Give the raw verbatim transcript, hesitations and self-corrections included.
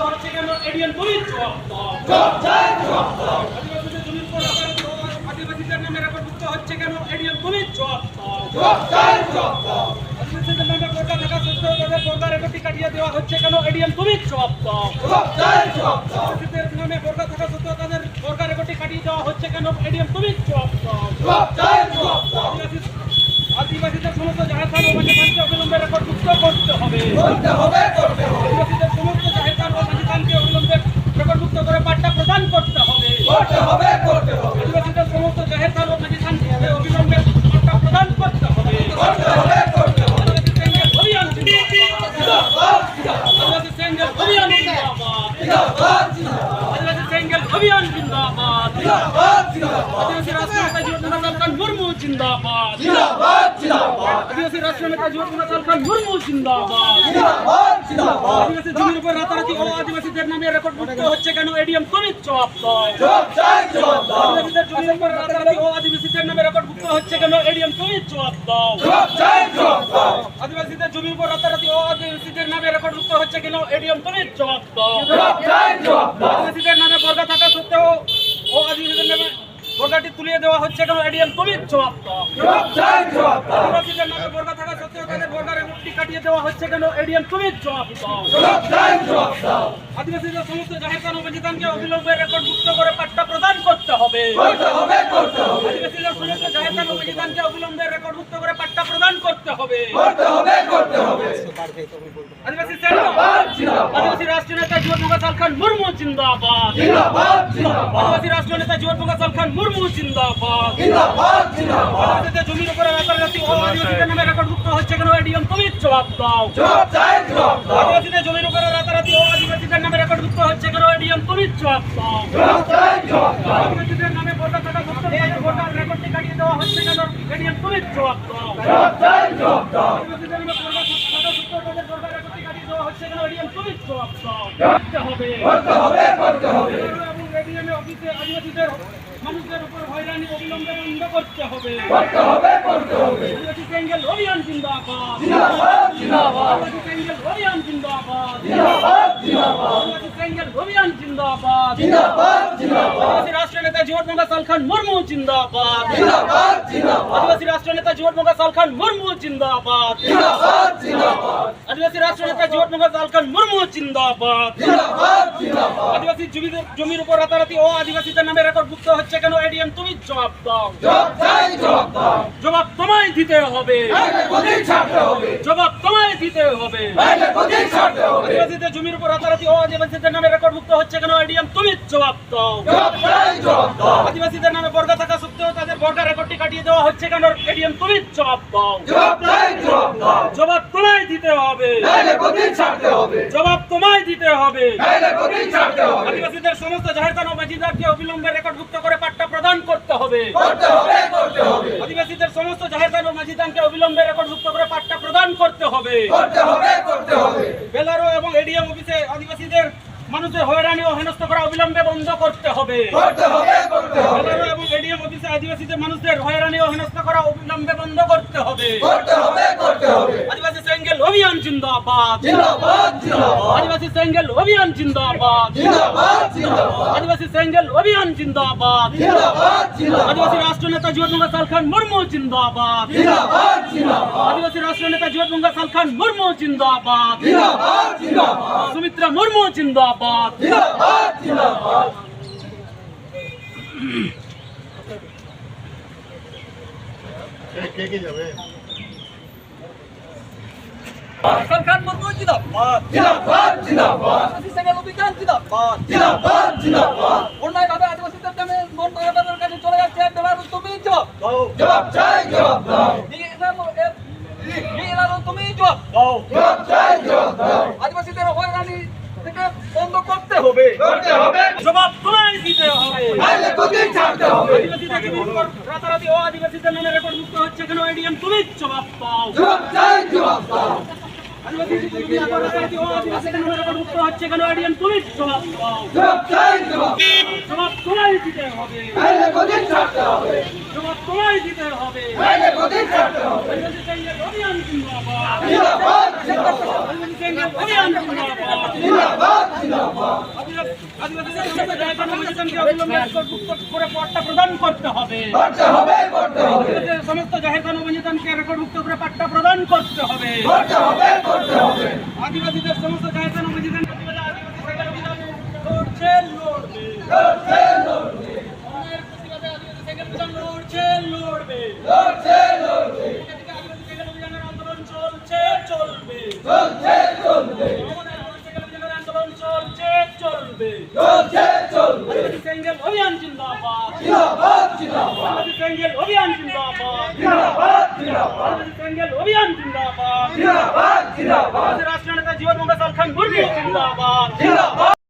হচ্ছে কেন এডিএম তুমি জবাব দাও। আদিবাসীদের জমির উপর আদিবাসীদের নামে রেকর্ডভুক্ত হচ্ছে কেন এডিএম তুমি জবাব দাও। আদিবাসীদের নামে বোরকা থাকা সত্ত্বেও তাদের বোরকা রেকর্ডটি কাটিয়ে দেওয়া হচ্ছে কেন এডিএম তুমি জবাব দাও। আদিবাসীদের নামে বোরকা থাকা সত্ত্বেও তাদের বোরকা রেকর্ডটি কাটিয়ে দেওয়া হচ্ছে কেন এডিএম তুমি জবাব দাও। আদিবাসীদের সমস্ত জাহের খান ও মাঝি খানকে অবিলম্বে রেকর্ডভুক্ত করতে হবে। আদিবাসীদের সমস্ত জাহের খান ও মাঝি খানকে অবিলম্বে রেকর্ডভুক্ত করে পাট্টা প্রদান করতে হবে। আদিবাসীদের সমস্ত জাহের খান ও মাঝি খানকে অবিলম্বে পাট্টা প্রদান করতে হবে। আদিবাসী সেঙ্গেল অভিযান জিন্দাবাদ। আদিবাসী সেঙ্গেল অভিযান জিন্দাবাদ। আদিবাসী রাষ্ট্রনেতা জীবননাথ খান মুর্মু জিন্দাবাদ। আদিবাসী রাষ্ট্রনেতা জীবননাথ খান মুর্মু জিন্দাবাদ। আদিবাসী জমির উপর রাতারাতি ও আদিবাসীদের নামে রেকর্ডভুক্ত হচ্ছে কেন এডিএম তুমি জবাব দাও। আদিবাসীদের জমির উপর রাতারাতি ও আদিবাসীদের নামে রেকর্ডভুক্ত হচ্ছে কেন এডিএম তুমি জবাব দাও। আদিবাসীদের জমির উপর রাতারাতি ও আদিবাসীদের নামে রেকর্ডভুক্ত হচ্ছে কেন এডিএম তুমি জবাব দাও। আদিবাসীদের নামে বোরকা থাকা সত্ত্বেও ও আদিবাসীদের নামে বোরকাটি তুলিয়ে দেওয়া হচ্ছে কেন এডিএম তুমি জবাব দাও। আদিবাসীদের নামে বোরকা থাকা সত্ত্বেও তাদের বোরকা রেকর্ডটি কাটিয়ে দেওয়া হচ্ছে কেন এডিএম তুমি জবাব দাও। আদিবাসীদের সমস্ত জাহের খান ও মাঝি খানকে অবিলম্বে রেকর্ডভুক্ত করে পাট্টা প্রদান করতে হবে। আদিবাসীদের সমস্ত জাহের খান ও মাঝি খানকে অবিলম্বে রেকর্ডভুক্ত করে পাট্টা প্রদান করতে হবে। আদিবাসী আদিবাসী রাষ্ট্রনেতা জীবননাথ খান মুর্মু জিন্দাবাদ। আদিবাসী রাষ্ট্রনেতা জীবননাথ খান মুর্মু জিন্দাবাদ। আদিবাসীদের জমির উপরে রাতারাতি ও আদিবাসীদের নামে রেকর্ডভুক্ত হচ্ছে কেন এডিএম তুমি জবাব দাও। আদিবাসীদের জমির উপরে রাতারাতি ও আদিবাসীদের নামে রেকর্ডভুক্ত হচ্ছে কেন এডিএম তুমি জবাব দাও। আদিবাসীদের নামে বোরকা থাকা সত্ত্বেও বোরকার রেকর্ডটি কাটিয়ে দেওয়া হচ্ছে কেন এডিএম তুমি জবাব দাও। আদিবাসীদের নামে বোরকা থাকা সত্ত্বেও তাদের বোরকা রেকর্ডটি কাটিয়ে দেওয়া হচ্ছে কেন এডিএম তুমি জবাব দাও। করতে হবে এবং এডিএম অফিসে আদিবাসীদের মানুষদের উপর হয়রানি অবিলম্বে বন্ধ করতে হবে। আদিবাসী সেঙ্গেল অভিযান জিন্দাবাদ। আদিবাসী সেঙ্গেল অভিযান জিন্দাবাদ। আদিবাসী সেঙ্গেল অভিযান জিন্দাবাদ। আদিবাসী রাষ্ট্রনেতা জীবননাথ খান মুর্মু জিন্দাবাদ। আদিবাসী রাষ্ট্রনেতা জীবননাথ খান মুর্মু জিন্দাবাদ। আদিবাসী রাষ্ট্রনেতা জীবননাথ খান মুর্মু জিন্দাবাদ। আদিবাসী জমির উপর রাতারাতি ও আদিবাসীদের নামে রেকর্ডভুক্ত হচ্ছে কেন এডিএম তুমি জবাব দাও। জবাব তোমায় দিতে হবে। জবাব তোমায় দিতে হবে। আদিবাসীদের জমির উপর রাতারাতি ও আদিবাসীদের নামে রেকর্ডভুক্ত হচ্ছে কেন এডিএম তুমি জবাব দাও। আদিবাসীদের নামে বোরকা থাকা সত্ত্বেও তাদের বোরকা রেকর্ডটি কাটিয়ে দেওয়া হচ্ছে কেন এডিএম তুমি জবাব দাও। জবাব তোমায় দিতে হবে। জবাব তোমায় দিতে হবে। আদিবাসীদের সমস্ত জাহের খান ও মাঝি খানকে অবিলম্বে রেকর্ডভুক্ত করে পাট্টা প্রদান করতে হবে। আদিবাসীদের সমস্ত জাহের খান ও মাঝি খানকে অবিলম্বে রেকর্ডভুক্ত করে পাট্টা প্রদান করতে হবে। বেলারো এবং এডিএম অফিসে আদিবাসীদের মানুষের হয়রানি ও হেনস্থা করা অবিলম্বে বন্ধ করতে হবে। বেলারো এবং এডিএম অফিসে আদিবাসীদের মানুষদের হয়রানি ও হেনস্থা করা অবিলম্বে বন্ধ করতে হবে। আদিবাসী সেঙ্গেল অভিযান জিন্দাবাদ। আদিবাসী সেঙ্গেল অভিযান জিন্দাবাদ। আদিবাসী সেঙ্গেল অভিযান জিন্দাবাদ। আদিবাসী রাষ্ট্রনেতা জীবননাথ খান মুর্মু জিন্দাবাদ। আদিবাসী রাষ্ট্রনেতা জীবননাথ খান মুর্মু জিন্দাবাদ। সুমিত্রা মুর্মু জিন্দাবাদ। কে কে যাবে? খান মুর্মু জিন্দাবাদ। জিন্দাবাদ জিন্দাবাদ আদিবাসী সেঙ্গেল অভিযান জিন্দাবাদ। জিন্দাবাদ জিন্দাবাদ অন্যায়ভাবে আদিবাসীদের নামে মন্ত্রণালয়ের কাছে চলে যাচ্ছে বেলারো তুমি জবাব দাও। জবাব চাই জবাব দাও। বেলারো তুমি জবাব দাও। জবাব চাই জবাব দাও। আদিবাসীদের হয়রানি থেকে বন্ধ করতে হবে। করতে হবে। জবাব তোমায় দিতে হবে। নাইলে গদি ছাড়তে হবে। আদিবাসীদের জমির উপর রাতারাতি ও আদিবাসীদের নামে রেকর্ডভুক্ত হচ্ছে কেন এডিএম তুমি জবাব দাও। জবাব চাই জবাব দাও। আদিবাসী জমি আবার রাজনীতি ও আদিবাসী কেন রেকর্ডমুক্ত হচ্ছে কেন আইডিয়ান পুলিশ জবাব দাও জবাব চাই জবাব জবাব তোমায় দিতে হবে নাইলে গদি ছাড়তে হবে জবাব তোমায় দিতে হবে নাইলে গদি ছাড়তে হবে আদিবাসী সেঙ্গেল অভিযান জিন্দাবাদ জিন্দাবাদ জিন্দাবাদ আদিবাসী সেঙ্গেল অভিযান জিন্দাবাদ জিন্দাবাদ জিন্দাবাদ আদিবাসীদের সমস্ত জায়গা নবজাতনকে অবিলম্বে রেকর্ডমুক্ত করে পট্টা প্রদান করতে হবে করতে হবে করতে হবে আদিবাসীদের সমস্ত জাহের নবজাতনকে রেকর্ডমুক্ত করে পাট্টা প্রদান করতে হবে করতে হবে করতে হবে আদিবাসীদের সমস্ত জাহের নবজাতনকে আদিবাসী সেঙ্গেল অভিযান লড়ছে লড়বে লড়ছে লড়বে অন্যের প্রতিবাদে আদিবাসী সেঙ্গেল অভিযান লড়ছে লড়বে লড়ছে লড়বে এদিকে আদিবাসী সেঙ্গেল অভিযানের আন্দোলন চলছে চলবে চলছে চলবে আমাদের আদিবাসী সেঙ্গেল অভিযানের আন্দোলন চলছে চলবে চলছে চলবে আদিবাসী সেঙ্গেল অভিযান জিন্দাবাদ জিন্দাবাদ জিন্দাবাদ আদিবাসী সেঙ্গেল অভিযান জিন্দাবাদ জিন্দাবাদ জিন্দাবাদ আদিবাসী সেঙ্গেল অভিযান জিন্দাবাদ জিন্দাবাদ জিন্দাবাদ আদিবাসী রাষ্ট্রীয় নেতা জীবন মঙ্গল খান মুর্মু জিন্দাবাদ